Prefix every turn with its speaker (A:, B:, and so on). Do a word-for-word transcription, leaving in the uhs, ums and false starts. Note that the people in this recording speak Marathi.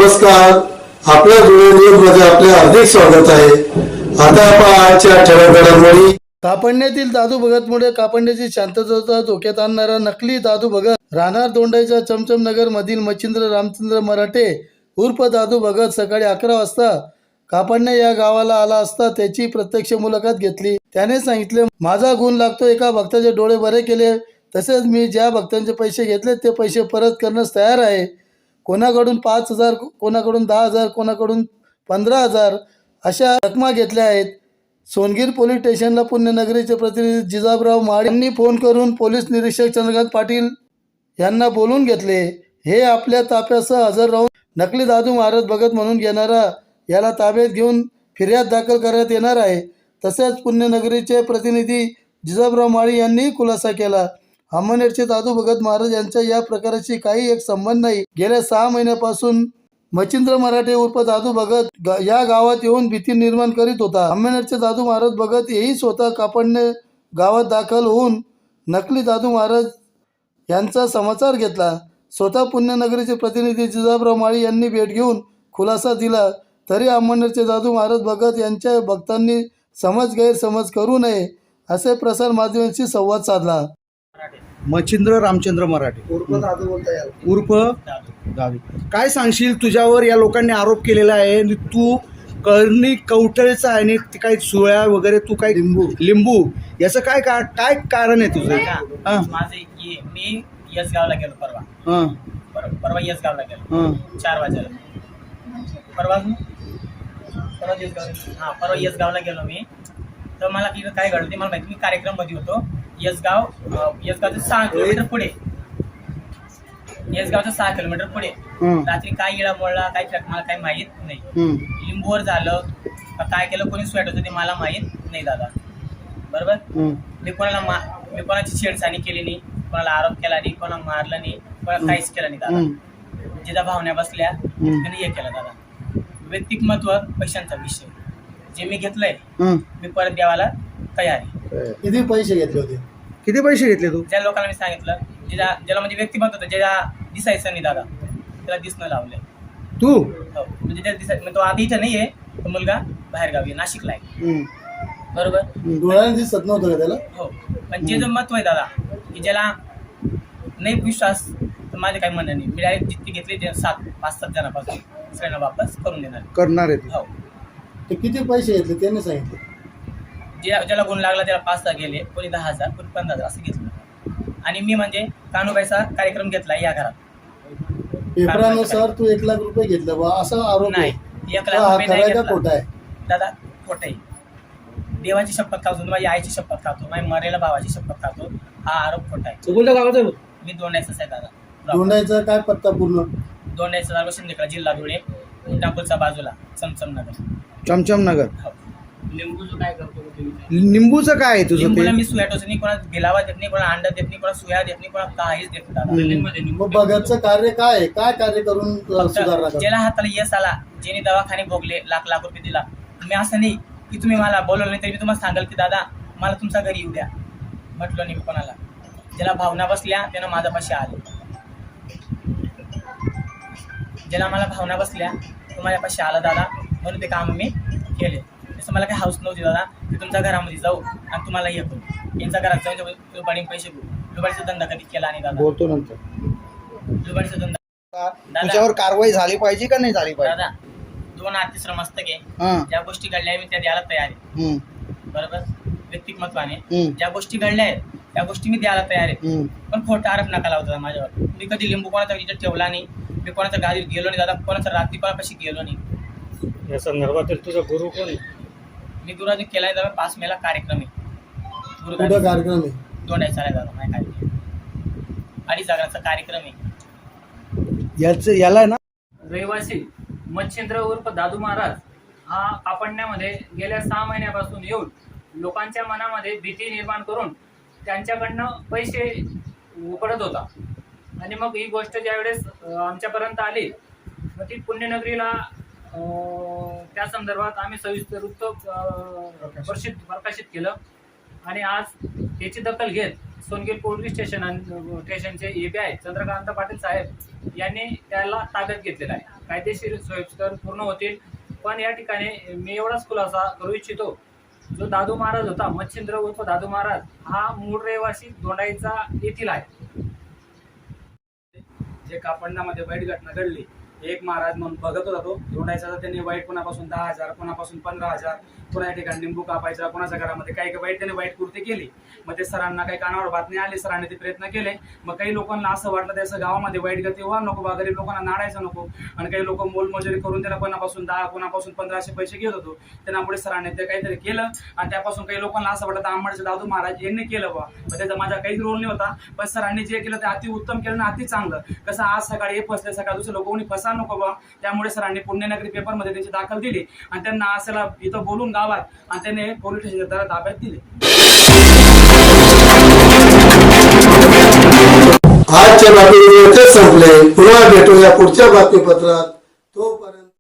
A: नमस्कार. आपल्या न्यूज मध्ये आपले हार्दिक स्वागत आहे. आता आपण आजच्या ठळक घडामोडी.
B: कापडण्यातील दादू भगतमुळे कापडण्याची शांतता धोक्यात आणणारा नकली दादू भगत राहणार दोंडाईच्या चमचम नगर मधील मच्छिंद्र रामचंद्र मराठे उर्फ दादू भगत सकाळी अकरा वाजता कापडण्या या गावाला आला असता त्याची प्रत्यक्ष मुलाखत घेतली. त्याने सांगितले, माझा गुण लागतो एका भक्ताचे डोळे बरे केले, तसेच मी ज्या भक्तांचे पैसे घेतले ते पैसे परत करण्यास तयार आहे. कोणाकडून पाच हजार कोणाकडून दहा हजार कोणाकडून पंधरा हजार अशा रकमा घेतल्या आहेत. सोनगीर पोलीस स्टेशनला पुण्यनगरीचे प्रतिनिधी जिजाबराव माळी यांनी फोन करून पोलीस निरीक्षक चंद्रकांत पाटील यांना बोलून घेतले. हे आपल्या ताफ्यासह हजर राहून नकली दादू महाराज भगत म्हणून घेणारा याला ताब्यात घेऊन फिर्याद दाखल करण्यात येणार आहे. तसेच पुण्यनगरीचे प्रतिनिधी जिजाबराव माळी यांनी खुलासा केला. अमनेरचे दादू भगत महाराज यांच्या या प्रकाराशी काही एक संबंध नाही. गेल्या सहा महिन्यापासून मच्छिंद्र मराठे उर्फ दादू भगत गा, या गावात येऊन भीती निर्माण करीत होता. अमनेरचे दादू महाराज भगत हेही स्वतः कापडणे गावात दाखल होऊन नकली दादू महाराज यांचा समाचार घेतला. स्वतः पुण्यनगरीचे प्रतिनिधी जिजाबराव माळी यांनी भेट घेऊन खुलासा दिला. तरी अमनेरचे दादू महाराज भगत यांच्या भक्तांनी समज गैरसमज करू नये असे प्रसार माध्यमांशी संवाद साधला.
C: मच्छिंद्र रामचंद्र मराठे
B: उर्फ दादू बोलता येईल.
C: उर्फ दादू, काय सांगशील? तुझ्यावर या लोकांनी आरोप केलेला आहे आणि तू कर्णी कवठळेचा आहे आणि ते काही सुळ्या वगैरे तू काय लिंबू लिंबू याचं काय का काय कारण आहे तुझं?
D: माझे मी यस गावला गेलो परवा.
C: हां
D: परवा यस गावला गेलो
C: हां
D: चार वाजेला. परवा परवा यस गाव हां परवा यस गावला गेलो मी. तर मला तिथं काय घडलं ते मला माहिती. मी कार्यक्रम मध्ये होतो. यसगाव यसगावचं सहा किलोमीटर पुढे यसगावचं सहा किलोमीटर पुढे रात्री काय इळा मोडला काय मला काही माहीत नाही. लिंबूवर झालं काय केलं कोणी स्वेट होतं ते मला माहीत नाही दादा. बरोबर. मी कोणाला मा मी कोणाची छेडछाणी केली नाही, कोणाला आरोप केला नाही, कोणाला मारलं नाही, कोणाला काहीच केलं नाही दादा. जिजा भावना बसल्या त्याने हे केलं दादा. व्यक्तिमत्व पैशांचा विषय जे मी घेतलंय मी परत द्यावाला तयार आहे.
B: किती पैसे घेतले होते?
C: किती पैसे घेतले तू?
D: ज्या लोकांना मी सांगितलं ज्याला ज्याला म्हणजे व्यक्तिमत्व होतं ज्याला दिसायचं नाही दादा त्याला दिसणं लावलंय
C: तू.
D: हो म्हणजे त्याला दिसायचं. तो आता इथं नाहीये, तो मुलगा बाहेर गावी नाशिकला आहे. बरोबर.
B: डोळ्याने दिसत नव्हतं का त्याला?
D: हो पण जे जर महत्व आहे दादा की ज्याला नाही विश्वास तर माझे काही म्हणणं नाही. मी डायरेक्ट जितकी घेतली ते सात पाच सात जणांपासून सगळ्यांना वापस करून देणार
C: करणार आहे.
D: हो.
B: ते किती पैसे घेतले त्याने सांगितलं?
D: ज्या ज्याला गुण लागला त्याला पाच सहा गेले, कोणी दहा हजार कोणी पंधरा हजार असं घेतलं. आणि मी म्हणजे कान्होबाईचा कार्यक्रम घेतला या घरात.
B: पेपरानुसार तू एक लाख रुपये घेतले बा असा आरोप
D: नाही. एक लाख रुपये नाही घेतला
B: आहे
D: दादा. खोटं आहे. देवाची शपथ खातो, माझ्या आईची शपथ खातो, माझ्या मरेला भावाची शपथ खातो. हा आरोप खोटा आहे. मी दोंडायचाच आहे दादा.
B: दोंडायचा काय पत्ता पूर्ण?
D: दोंडायचा जागा शिंदेकडा जिल्हा धुळे टाकोलच्या बाजूला चमचम नगर.
C: चमचम नगर.
D: हो. लिंबूचं काय करतो?
C: लिंबूचं काय आहे तुझं?
D: लिंबूला मी सुया टोच नाही, कोणाला गिलावा देत नाही, कोणाला अंडा देत नाही, कोणाला सुया देत नाही, कोणाला काहीच देत नाही.
B: मग भगतचं कार्य काय आहे? काय कार्य करून सुधारणा करतो?
D: ज्याला हाताला यश आला, ज्याने दवाखाने भोगले, लाख लाख रुपये दिला. मी असं नाही की तुम्ही मला बोलवलं नाही तरी मी तुम्हाला सांगाल की दादा मला तुमचा घरी येऊ द्या. म्हटलं नाही मी कोणाला. ज्याला भावना बसल्या त्यानं माझ्यापाशी आले. ज्याला मला भावना बसल्या तो माझ्यापाशी आला दादा, म्हणून ते काम मी केले. तसं मला काही हाऊस नव्हती दादा की तुमच्या घरामध्ये जाऊ आणि तुम्हाला हे करू. यांच्या घरात जाऊन लुबाडीने पैसे घेऊ. लुबाडीचा धंदा कधी केला नाही दादा.
C: बोलतो नंतर.
D: लुबाडीचा धंदा
C: तुझ्यावर कारवाई झाली पाहिजे का नाही झाली पाहिजे?
D: दादा दोन अतिश्रम मस्तक आहे.
C: हां
D: ज्या गोष्टी घडल्या मी त्या द्यायला तयार आहे. बरोबर. व्यक्तिमत्वाने ज्या गोष्टी घडल्या आहेत त्या गोष्टी मी द्यायला तयार आहे. पण खोटा आरोप नका लावता माझ्यावर. मी कधी लिंबू कोणाचा विचार ठेवला नाही. मी कोणाच्या गाडीत गेलो नाही दादा. कोणाचा रात्री कोणापाशी गेलो नाही.
E: या संदर्भात तुझा गुरु कोण आहे?
D: मी गुरुजी केलाय दादा. पाच मेला कार्यक्रम आहे.
B: कुठं कार्यक्रम आहे?
D: दोंडायचा आहे दादा. माझ्या कार्यक्रम अडीच हजाराचा कार्यक्रम आहे.
C: याच याला ना
F: रहिवासी मच्छिंद्र उर्फ दादू महाराज हा कापडण्यामध्ये गेल्या सहा महिन्यापासून येऊन लोकांच्या मनामध्ये भीती निर्माण करून त्यांच्याकडनं पैसे उकळत होता. आणि मग ही गोष्ट ज्यावेळेस आमच्यापर्यंत आली मग ती पुण्यनगरीला त्या संदर्भात आम्ही सविस्तर वृत्त प्रसिद्ध प्रकाशित केलं. आणि आज त्याची दखल घेत सोनगीर पोलीस स्टेशन स्टेशनचे A P I Chandrakant Patil साहेब यांनी त्याला ताब्यात घेतलेला आहे. कायदेशीर सोयीस्कर पूर्ण होतील. पण या ठिकाणी मी एवढाच खुलासा करू इच्छितो, जो दादू महाराज होता मच्छिंद्र उर्फ दादू महाराज हा मूळ रहिवासी दोंडाईचा येथील आहे.
G: जे कापडण्यामध्ये वाईट घटना घडली, एक महाराज म्हणून बघत होता तो दोंडायचा, तर त्यांनी वाईट कोणापासून दहा हजार कोणापासून पंधरा हजार कोणा ठिकाणी लिंबू कापायचा, कोणाच्या घरामध्ये काही काही वाईट त्याने वाईट कृती केली. मग ते सरांना काही कानावर बातमी आली, सरांनी ते प्रयत्न केले. मग काही लोकांना असं वाटलं त्याचं गावामध्ये वाईट गती व्हा नको बा, गरीब लोकांना नाडायचं नको. आणि काही लोक मोलमजुरी करून त्यांना कोणापासून दहा कोणापासून पंधराशे पैसे घेत होतो. त्यांना पुढे सरांनी ते काहीतरी केलं आणि त्यापासून काही लोकांना असं वाटतं आंबडचे दादू महाराज यांनी केलं बा. मग त्याचा माझा काहीच रोल नाही होता. पण सरांनी जे केलं ते अति उत्तम केलं आणि अति चांगलं. कसं आज सकाळी हे फसले, सकाळी दुसरे लोक कोणी फसा नको बा. त्यामुळे सरांनी पुण्यनगरी पेपरमध्ये त्यांची दाखल दिली आणि त्यांना असला इथं बोलून गावात आणि त्याने पोलीस स्टेशनच्या ताब्यात दिले.
A: आजच्या बातमीपत्र संपले. पुन्हा भेटूया पुढच्या बातमीपत्रात. तोपर्यंत